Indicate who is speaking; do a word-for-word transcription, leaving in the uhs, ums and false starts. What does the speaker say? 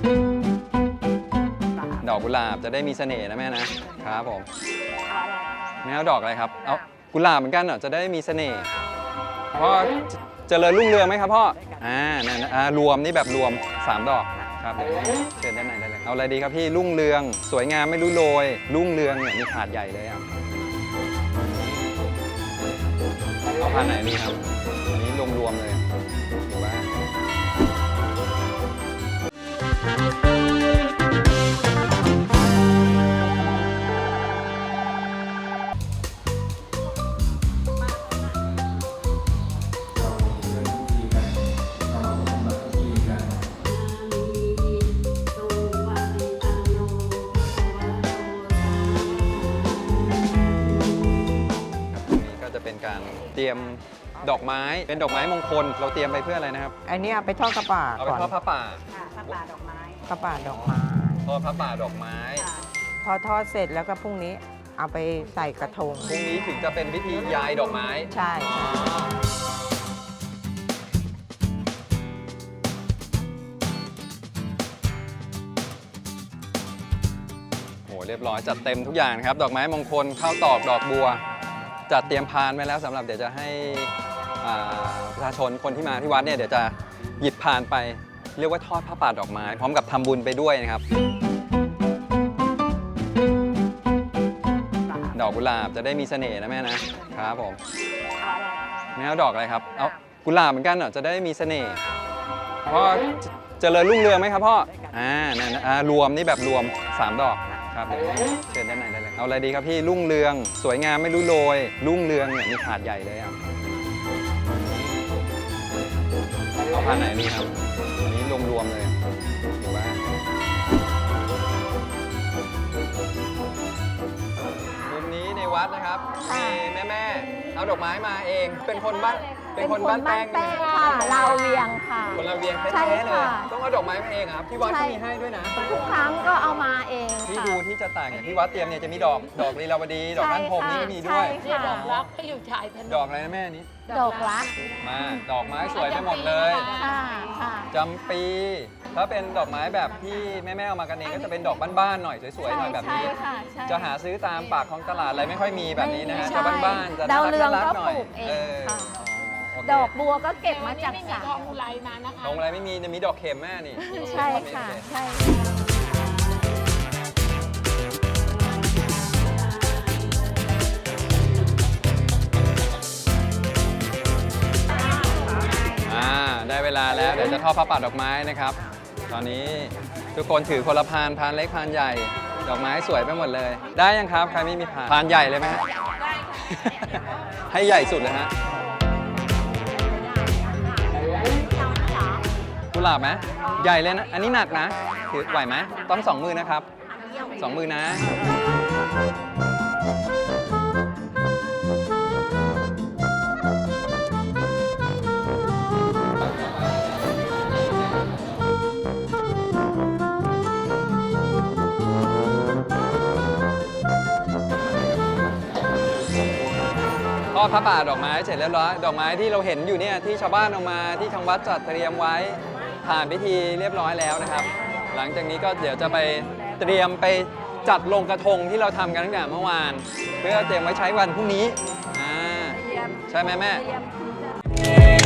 Speaker 1: ดอกกุหลาบจะได้มีเสน่ห์นะแม่นะครับผมแม่เอาดอกอะไรครับเอากุหลาบเหมือนกันเหรอจะได้มีเสน่ห์พ่อเจริญรุ่งเรืองไหมครับพ่ออ่านั่นอ่ารวมนี่แบบรวมสามดอกครับเดี๋ยวเชิญด้านในได้เลยเอาอะไรดีครับพี่รุ่งเรืองสวยงามไม่รู้โรยรุ่งเรืองเนี่ยมีถาดใหญ่เลยอ่ะเอาพันไหนดีครับอันนี้รวมๆเลยหรือว่าเป็นการเตรียมดอกไม้เป็นดอกไม้มงคลเราเตรียมไปเพื่ออะไรนะครับ
Speaker 2: อันนี้เอาไปทอดกระป่า
Speaker 1: เอาไปทอดพระป่า
Speaker 3: พระป่าดอกไม้
Speaker 2: กระป่าดอกไม้
Speaker 1: ทอดพระป่าดอกไม้
Speaker 2: พอทอดเสร็จแล้วก็พรุ่งนี้เอาไปใส่กระทง
Speaker 1: พรุ่งนี้ถึงจะเป็นพิธียายดอกไม้
Speaker 2: ใช่
Speaker 1: โหเรียบร้อยจัดเต็มทุกอย่างครับดอกไม้มงคลข้าวตอกดอกบัวจัดเตรียมพานไว้แล้วสำหรับเดี๋ยวจะให้ประชาชนคนที่มาที่วัดเนี่ยเดี๋ยวจะหยิบพานไปเรียกว่าทอดผ้าป่าดอกไม้พร้อมกับทำบุญไปด้วยนะครับดอกกุหลาบจะได้มีเสน่ห์นะแม่นะครับผมแม่เอาดอกอะไรครับเอากุหลาบเหมือนกันเหรอจะได้มีเสน่ห์พ่อเจริญรุ่งเรืองไหมครับพ่ออ่านั่นอ่ารวมนี่แบบรวมสามดอกครับเดี๋ยวเชิญด้านในได้เลยเอาอะไรดีครับพี่รุ่งเรืองสวยงามไม่รู้โรยรุ่งเรืองเนี่ยมีถาดใหญ่เลยอ่ะเอาพันไหนดีครับอันนี้รวมๆเลยหรือว่ามุมนี้ในวัดนะครับมีแม่ๆเอาดอกไม้มาเองเป็นคนบ้านเป็นคนบ้านแป้ง
Speaker 3: ค่ะเราเวียงค่ะ
Speaker 1: คนเราเวียงแท้ๆเลยต้องเอาดอกไม้มาเองครับที่วัดก็มีให้ด้วยนะ
Speaker 3: ทุกครั้งก็เอามาเอง
Speaker 1: ที่ดูที่จะต่างอย่างที่วัดเตรียมเนี่ยจะมีดอกดอกลีลาวดีดอกท่านพรมนี่ก็มีด้วย
Speaker 3: ดอกรักก็อยู่ชายถนน
Speaker 1: ดอกอะไรนะแม่นี้
Speaker 3: ดอกรัก
Speaker 1: มาดอกไม้สวยไปหมดเลยจำปีถ้าเป็นดอกไม้แบบที่แม่ๆเอามากันเองก็จะเป็นดอกบ้านๆหน่อยสวยๆหน่อยแบบนี้จะหาซื้อตามปากของตลาดอะไรไม่ค่อยมีแบบนี้นะฮะจะบ้านๆจะน่ารักๆหน่อย
Speaker 3: ดอกบัวก็เก็บมาจากสระ
Speaker 1: ทองอุไรมานะคะทองอุไรไม่มีจะมีดอกเข็มแม่นี่
Speaker 3: ใช่ค่ะใช่
Speaker 1: ได้เวลาแล้วเดี๋ยวจะทอดผ้าป่าดอกไม้นะครับตอนนี้ทุกคนถือคนละพานพานเล็กพานใหญ่ดอกไม้สวยไปหมดเลยได้ยังครับใครไม่มีพานพานใหญ่เลยไหมฮะให้ใหญ่สุดเลยฮะกุหลาบไหมใหญ่เลยนะอันนี้หนักนะถือไหวไหมต้องสองมือนะครับสองมือนะทอดผ้าป่าดอกไม้เสร็จเรียบร้อยดอกไม้ที่เราเห็นอยู่เนี่ยที่ชาวบ้านเอามาที่ทางวัดจัดเตรียมไว้ผ่านพิธีเรียบร้อยแล้วนะครับหลังจากนี้ก็เดี๋ยวจะไปเตรียมไปจัดลงกระทงที่เราทำกันตั้งแต่เมื่อวานเพื่อเตรียมไว้ใช้วันพรุ่งนี้อ่าใช่ไหมแม่